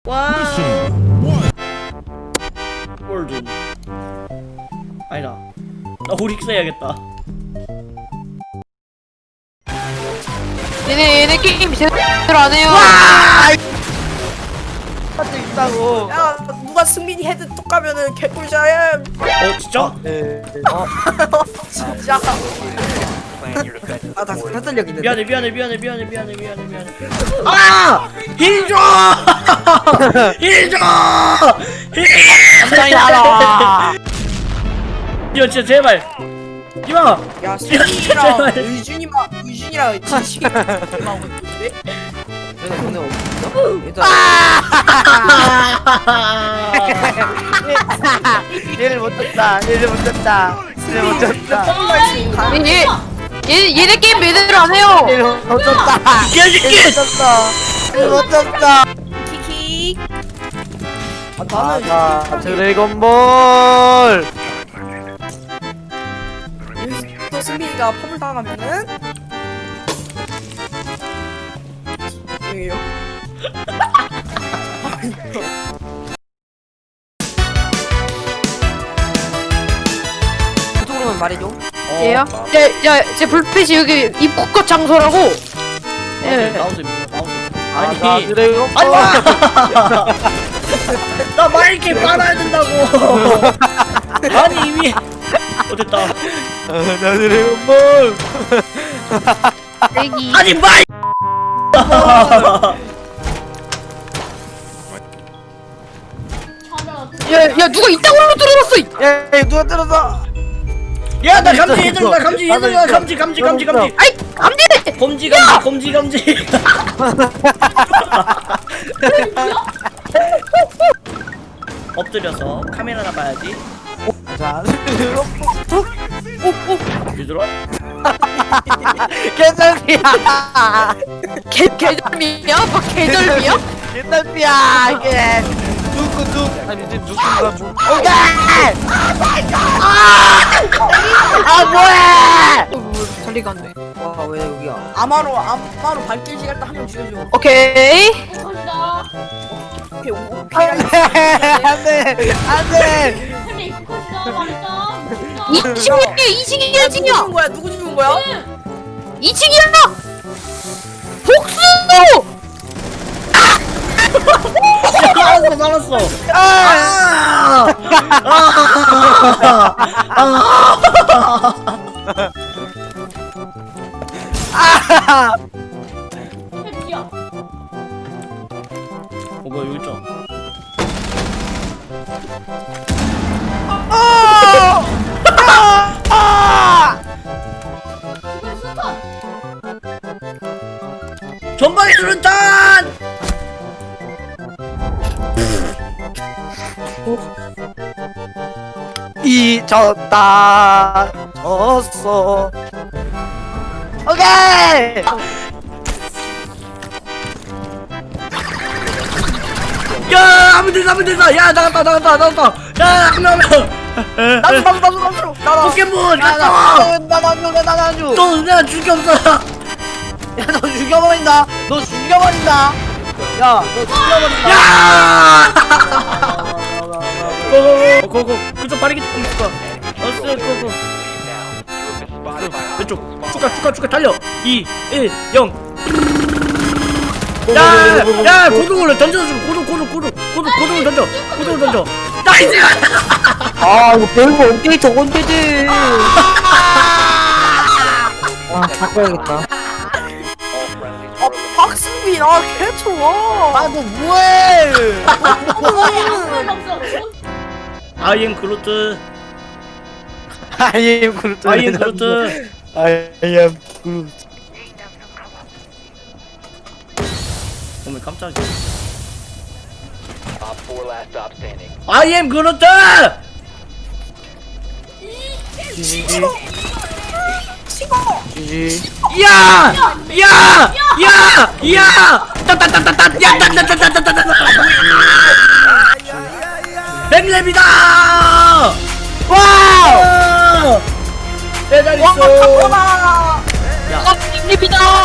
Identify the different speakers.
Speaker 1: 와. 골든. 아니다. 나 오릭스 해야겠다.
Speaker 2: 얘네 게임 제대로 안 해요.
Speaker 3: 할수 있다고.
Speaker 4: 야 누가 승민이 헤드 뚝 가면은 개꿀자야.
Speaker 1: 진짜?
Speaker 3: 네.
Speaker 4: 진짜.
Speaker 3: 아나 사슬력 있는데.
Speaker 1: 미안해. 아! 힐 줘! 힐 줘!
Speaker 3: 감당이 알아.
Speaker 1: 이거 진짜 제발. 이마.
Speaker 4: 야 승민이랑 의준이랑 진식이 나오고 있는데.
Speaker 3: 내가 돈에 없어? 일단 얘를 못 쳤다. 얘를 못 쳤다.
Speaker 2: 얘네 게임 제대로 안 해요.
Speaker 3: 얘를 못 쳤다.
Speaker 1: 개새끼!
Speaker 3: 얘를 못 쳤다. 얘를 못 쳤다.
Speaker 4: 키키.
Speaker 3: 아 드래곤볼.
Speaker 4: 여기서 또 승민이가 펌을 당하면은 여기요.
Speaker 3: 구독으로만 말해줘.
Speaker 2: 얘요? 제 불빛이 여기 입국컷 장소라고. 예.
Speaker 1: 나오세요.
Speaker 3: 아니
Speaker 1: 아니.
Speaker 3: 드래곤볼.
Speaker 1: 나 마이크 빨아야 된다고. 아니 이미. 됐다.
Speaker 3: 나 드래곤볼.
Speaker 2: 여기.
Speaker 1: 아니 마이.
Speaker 2: 야 누가 이따구로 들어갔어.
Speaker 3: 야 이거 누가 때렸어?
Speaker 1: 야 나 감지 얘들아 감지 얘들아 감지.
Speaker 2: 아이 감지.
Speaker 1: 검지. 엎드려서 카메라나 봐야지.
Speaker 3: 자,
Speaker 1: 얘들아.
Speaker 3: 개설비야.
Speaker 2: 개절미야? 뭐 개절미야?
Speaker 3: 개설비야 이게. 누구 아니 이제 누군가 뭐. 오케이. 아 뭐해?
Speaker 2: 달리가 안 돼.
Speaker 3: 와왜 여기야?
Speaker 4: 아마로 발길 시간 딱 한 명 죽여줘.
Speaker 2: 오케이.
Speaker 4: 오케이
Speaker 3: 안돼 안돼.
Speaker 2: 2층이야 2층이야 2층이야.
Speaker 4: 누구 죽은 거야?
Speaker 2: 2층이야. 복수.
Speaker 1: 살았어. 뭐야 여기 있잖아. 전방에 수류탄!
Speaker 3: 잊었다 졌어. 오케이.
Speaker 1: 야 하면 된다. 야 나갔다. 야 한 명.
Speaker 3: 나도
Speaker 1: 포켓몬 갔다.
Speaker 3: 나도
Speaker 1: 또 내가 줄게 없어.
Speaker 3: 야너 죽여버린다. 너 죽여버린다. 야너 죽여버린다.
Speaker 1: 야! 고고. 그쪽 빠르게 있을 거야. 고고. 왼쪽. 축하 달려. 2, 1, 0. 야, 고등어를 던져줘. 고등어 던져. 고등어 던져. 나이스!
Speaker 3: 아 이거 별거 업데이트 언제지? 아 바꿔야겠다.
Speaker 4: 박승민 개 좋아.
Speaker 3: 아너 뭐해?
Speaker 1: I am 그루트.
Speaker 3: I am 그루트.
Speaker 1: I am 그루트.
Speaker 3: I am 그루트.
Speaker 1: 어머 깜짝이야. I am 그루트.
Speaker 3: 지지.
Speaker 1: 야! 따따따따따! 야, 따따따따따따! 뱀랩이다! 와우! 대단 있어.
Speaker 4: 와.
Speaker 1: 야,
Speaker 2: 립이다.